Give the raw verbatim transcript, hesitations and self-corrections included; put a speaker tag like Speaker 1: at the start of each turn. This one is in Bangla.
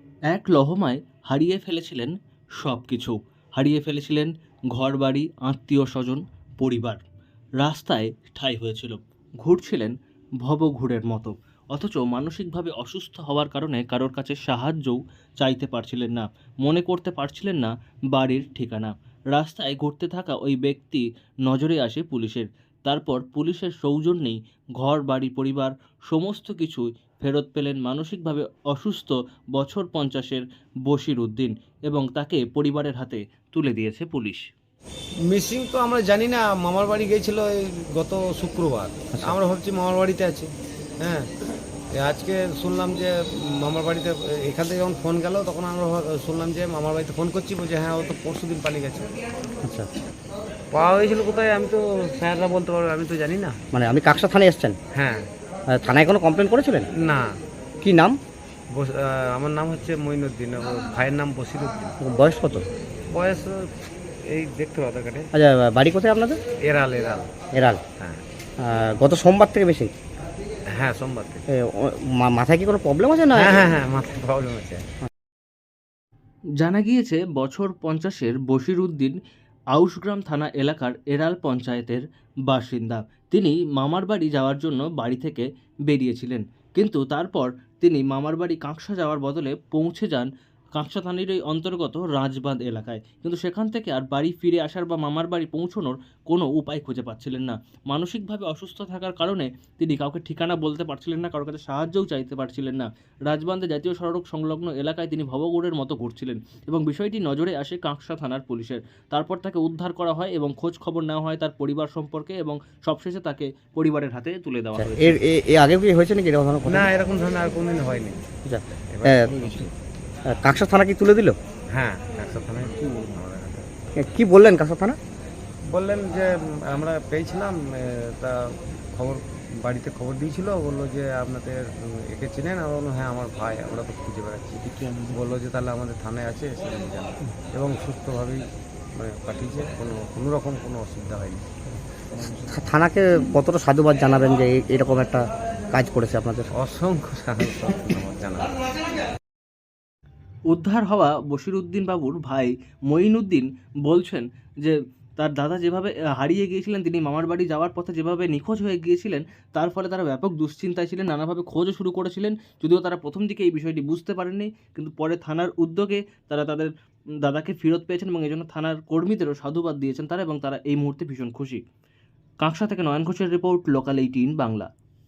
Speaker 1: এক লহমায় হারিয়ে ফেলেছিলেন সব কিছু। হারিয়ে ফেলেছিলেন ঘরবাড়ি, আত্মীয়-স্বজন, পরিবার। রাস্তায় ঠাঁই হয়েছিল। ঘুরছিলেন ভবঘুরের মতো। অথচ মানসিকভাবে অসুস্থ হওয়ার কারণে কারোর কাছে সাহায্যও চাইতে পারছিলেন না। মনে করতে পারছিলেন না বাড়ির ঠিকানা। রাস্তায় ঘুরতে থাকা ওই ব্যক্তি নজরে আসে পুলিশের। তারপর পুলিশের সৌজন্যেই ঘর, বাড়ি, পরিবার সমস্ত কিছুই ফেরত পেলেন মানসিকভাবে অসুস্থ বছর পঞ্চাশের বশির উদ্দিন এবং তাকে পরিবারের হাতে তুলে দিয়েছে পুলিশ।
Speaker 2: মিসিং তো আমরা জানি না। মামার বাড়ি গিয়েছিল এই গত শুক্রবার।
Speaker 3: আচ্ছা।
Speaker 2: আমরা ভাবছি মামার বাড়িতে আছে। হ্যাঁ, এ আজকে শুনলাম যে মামার বাড়িতে, এখান থেকে যখন ফোন গেল তখন আমরা ভাব- শুনলাম যে মামার বাড়িতে ফোন করছি, বলছে হ্যাঁ ও তো পরশু দিন পালিয়ে গেছে।
Speaker 3: আচ্ছা,
Speaker 2: পাওয়া হয়েছিল কোথায় আমি তো, স্যাররা বলতে পারবে, আমি তো জানি না।
Speaker 3: মানে আপনি কাকসা থানায় এসেছেন?
Speaker 2: হ্যাঁ।
Speaker 3: আহ, থানায় কোনো কমপ্লেন করেছিলেন?
Speaker 2: না।
Speaker 3: কি নাম?
Speaker 2: বস- আহ, আমার নাম হচ্ছে মঈনুদ্দিন, ওর ভাইয়ের নাম বসিরুদ্দিন।
Speaker 3: বয়স কত?
Speaker 2: বয়স এই দেখতে পাবো কাটে।
Speaker 3: আচ্ছা, বাড়ি কোথায় আপনাদের?
Speaker 2: এরাল এরাল।
Speaker 3: এরাল।
Speaker 2: হ্যাঁ।
Speaker 3: আহ, গত সোমবার থেকে বেশি?
Speaker 2: হ্যাঁ, সোমবার থেকে।
Speaker 3: এ, ও- মা- মাথায় কি কোনো প্রবলেম আছে না?
Speaker 2: হ্যাঁ হ্যাঁ হ্যাঁ, মাথায় প্রবলেম আছে।
Speaker 1: জানা গিয়েছে বছর পঞ্চাশের বশির উদ্দিন আউশগ্রাম থানা এলাকার এরাল পঞ্চায়েতের বাসিন্দা। তিনি মামার বাড়ি যাওয়ার জন্য বাড়ি থেকে বেরিয়েছিলেন, কিন্তু তারপর তিনি মামার বাড়ি কাঁকসা যাওয়ার বদলে পৌঁছে যান কাঁকসা থানারই অন্তর্গত রাজবাঁধ এলাকায়। কিন্তু সেখান থেকে আর বাড়ি ফিরে আসার বা মামার বাড়ি পৌঁছানোর কোনো উপায় খুঁজে পাচ্ছিলেন না। মানসিকভাবে অসুস্থ থাকার কারণে তিনি কাউকে ঠিকানা বলতে পারছিলেন না, কারোর কাছে সাহায্যও চাইতে পারছিলেন না। রাজবাঁধে জাতীয় সড়ক সংলগ্ন এলাকায় তিনি ভবঘুরের মতো ঘুরছিলেন এবং বিষয়টি নজরে আসে কাঁকসা থানার পুলিশের। তারপর তাকে উদ্ধার করা হয় এবং খোঁজ খবর নেওয়া হয় তার পরিবার সম্পর্কে এবং সবশেষে তাকে পরিবারের হাতে তুলে দেওয়া
Speaker 3: আচ্ছা,
Speaker 1: হয়েছে।
Speaker 3: এর এ- এ আগে কি হয়েছে নাকি এরকম ধরনের ঘটনা?
Speaker 2: না, এরকম ধরনের আর কোনোদিন হয়নি।
Speaker 3: আচ্ছা,
Speaker 2: এবার
Speaker 3: আহ,
Speaker 2: হয়েছে।
Speaker 3: আহ, কাকসা থানা কি তুলে দিল?
Speaker 2: হ্যাঁ, একশো থানায় আমাদের কাছে।
Speaker 3: এ, কি বললেন কাকসা থানা?
Speaker 2: বললেন যে উম, আমরা পেয়েছিলাম, এ, তা খবর বাড়িতে খবর দিয়েছিল, বললো যে আপনাদের উম, একে চেনেন? আমরা বললাম হ্যাঁ আমার ভাই, আমরা তো খুঁজে বেড়াচ্ছি। বললো যে তাহলে আমাদের থানায় আছে, এসে নিয়ে যান। এবং সুস্থভাবেই মানে পাঠিয়েছে, কোনো কোনো রকম কোনো অসুবিধা হয়নি।
Speaker 3: থা- থানাকে কতটা সাধুবাদ জানাবেন যে এই- এরকম একটা কাজ করেছে আপনাদের?
Speaker 2: অসংখ্য সাহায্য আমার জানা।
Speaker 1: উদ্ধার হওয়া বশির উদ্দিন বাবুর ভাই মঈনুদ্দিন বলছেন যে তার দাদা যেভাবে আহ, হারিয়ে গিয়েছিলেন, তিনি মামার বাড়ি যাওয়ার পথে যেভাবে নিখোঁজ হয়ে গিয়েছিলেন, তার ফলে তারা ব্যাপক দুশ্চিন্তায় ছিলেন, নানাভাবে খোঁজও শুরু করেছিলেন। যদিও তারা প্রথম দিকে এই বিষয়টি বুঝতে পারেননি, কিন্তু পরে থানার উদ্যোগে তারা তাদের উম, দাদাকে ফেরত পেয়েছেন এবং এই জন্য থানার কর্মীদেরও সাধুবাদ দিয়েছেন তারা, এবং তারা এই মুহূর্তে ভীষণ খুশি। কাঁকসা থেকে নয়ন ঘোষের রিপোর্ট, লোকাল এইটিন বাংলা।